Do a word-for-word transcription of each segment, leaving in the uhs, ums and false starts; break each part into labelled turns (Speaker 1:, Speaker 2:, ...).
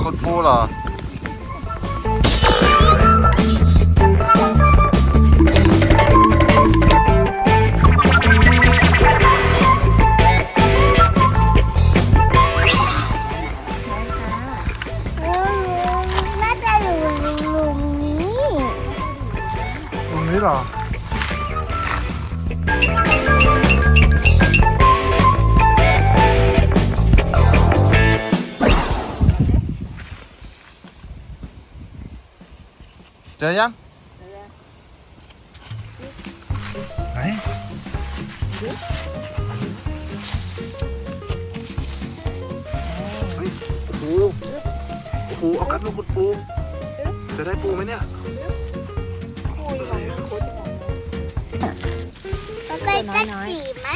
Speaker 1: ขุดปูเหรอ
Speaker 2: น่าจะอยู่หลุมนี้
Speaker 1: ตรงนี้เหรอเจอยังไหนเฮ้ยปูปูเอากัดมาขุดปูจะได้ปูไหมเนี่ย
Speaker 2: เราเคยกระจีไหม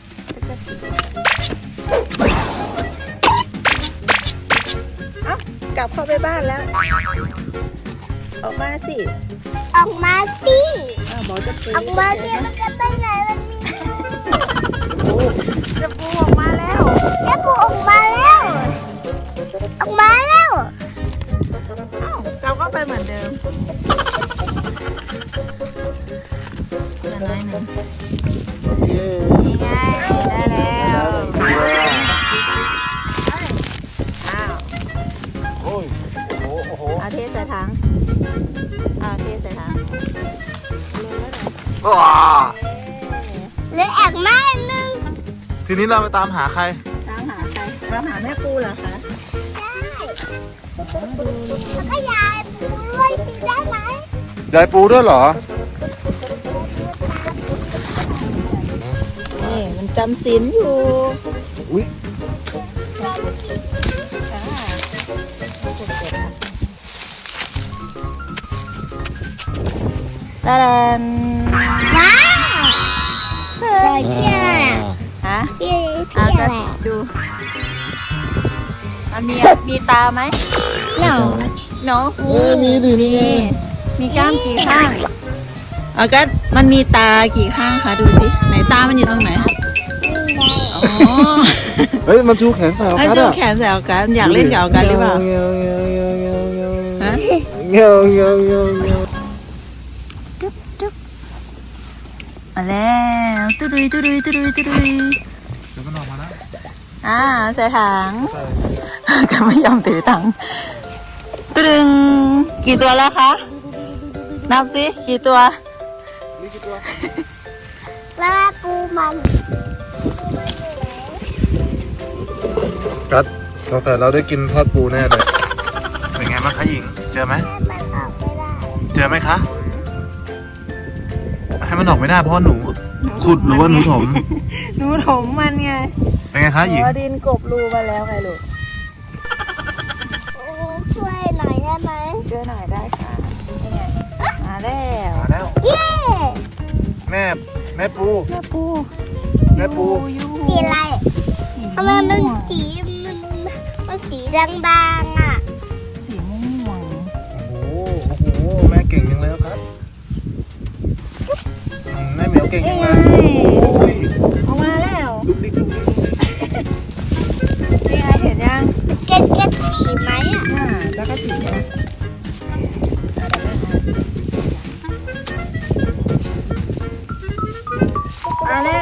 Speaker 3: เอ้ากลับเข้าไปบ้านแล้วออกมาสิ
Speaker 2: ออกมาสิ
Speaker 3: อ้าวบอกจะปู
Speaker 2: ออกมาสิมันจะไปไหนมันมี
Speaker 3: จะปูออกมาแล้ว
Speaker 2: แม่ปูออกมาแล้วออกมาแล้ว
Speaker 3: อ้าวกลับเข้าไปเหมือนเดิมอย่างไรหนึ่งนี่ไงได้แล้วอ้าว
Speaker 1: โอ้ยโอ้โหโอ้โห
Speaker 3: เอาเทใส่ถังเอาเทใส่ถัง
Speaker 1: ว้า
Speaker 2: เหลืออีกไม้หนึ่ง
Speaker 1: ทีนี้เราไปตามหาใคร
Speaker 3: ตามหาใครตามหาแม่ปูเหรอคะ
Speaker 2: ใช่แล้วก็ยายปูด้วยสิได้ไหม
Speaker 1: ยายปูด้วยเหรอ
Speaker 3: นี่มันจำศีลอยู่
Speaker 1: อุ้ย
Speaker 3: ตาดัน
Speaker 2: ว้าวได้เชื่อ
Speaker 3: ฮะ
Speaker 2: พี่
Speaker 3: อ่ะ
Speaker 2: พี่
Speaker 3: ก็
Speaker 2: อะไร
Speaker 3: ดูมันมีมีตาไหม
Speaker 2: หนู
Speaker 3: เนาะ
Speaker 1: เอ้ยมีดิ
Speaker 3: มีมีกล้ามกี่ข้างเอาก็มันมีตากี่ข้างคะดูสิไหนตามันอยู่ตรงไหน
Speaker 2: นี่ไง
Speaker 3: อ๋อ
Speaker 1: เฮ้ยมันชูแขนสาว
Speaker 3: ไอ้
Speaker 1: กัด
Speaker 3: เจ้า
Speaker 1: อ่ะ
Speaker 3: แขนแสวกันอยากเล่นกับเอากันหรือเปล่า
Speaker 1: เงี้ยวเงี้ยวเงี้ยวเงี้ยวเงี้ยว
Speaker 3: ฮะ
Speaker 1: เงี้ยวเงี้ยวเงี้ยวเงี้ยว
Speaker 3: จุ๊บจุ๊บมาแล้วตุรุยตุรุยตุรุยตุรุย
Speaker 1: เดี๋ยวมันออกมาแล้ว
Speaker 3: อ่าใส่ถัง
Speaker 1: ใช่
Speaker 3: ก็ไม่ยอมถือถังตรึงกี่ตัวแล้วคะนับสิกี่ตัว
Speaker 1: นี่กี่ตัว
Speaker 2: แล้วแม่ปูมันปูมันอยู่ไหน
Speaker 1: กัดสงสัยเราได้กินทอดปูแน่เลยเป็นไงบ้างคะหญิงเจอไหม
Speaker 2: แม่มันออกไม่ได้
Speaker 1: เจอไหมคะให้มันออกไม่ได้เพราะว่าหนูขุดหรือว่าหนูถม
Speaker 3: หนูถมมันไง
Speaker 1: เป็นไงคะหญิง
Speaker 3: เอาดินกบรูมาแล้วไงลูก
Speaker 2: โอ้ช่วยหน่อยได้ไหม
Speaker 3: ช่วยหน่อยได้ค่ะนี่ไงมาแล้ว
Speaker 1: มาแล้ว
Speaker 2: เย้
Speaker 1: แม่แม่ปู
Speaker 3: แม่ปู
Speaker 1: แม่ปู
Speaker 3: ยู
Speaker 2: สีอะไรทำไมมันสีมันมันสีด่างๆอ่ะ
Speaker 3: สีม่วง
Speaker 1: โอ้โหโอ้โหแม่เก่งจังเลยครับอืมแม่เหมียวเก่ง
Speaker 3: นี่
Speaker 1: จัง
Speaker 3: ไง
Speaker 1: เลยโอ้ย
Speaker 3: ออกมาแล้ว
Speaker 1: ลุกดิ๊กลุกดิ๊ก
Speaker 3: นี่ไงเห็นยัง
Speaker 2: เก็ดเก็ดสีไหมอ่ะ
Speaker 3: อ่าแล้วก็สีนะมาแล้ว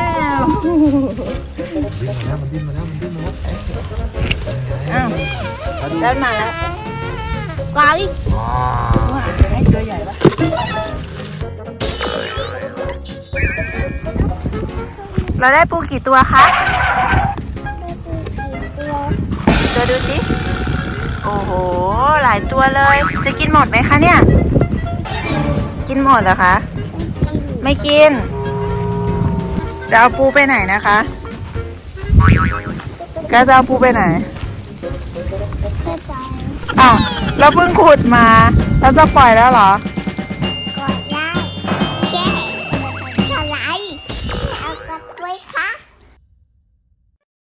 Speaker 1: มันดิ้นมาแล้วมันดิ้นมาแล้วมันดิ้นมาแล้ว
Speaker 3: อ้าวเดินมาแล้ว
Speaker 2: กวางอีก
Speaker 1: ว้า
Speaker 3: ว้าวให้ตัวใหญ่ปะเราได้ปูกี่ตัวคะ
Speaker 2: แม่ปูสีตัว
Speaker 3: ตัวดูสิ โอ้โห หลายตัวเลย จะกินหมดไหมคะเนี่ย กินหมดเหรอคะ ไม่กิน จะเอาปูไปไหนนะคะก็จะเอาปูไปไหน
Speaker 2: แม่จ๋า
Speaker 3: อ้าวเราเพิ่งขุดมา เราจะปล่อยแล้วเหรอ
Speaker 2: ใ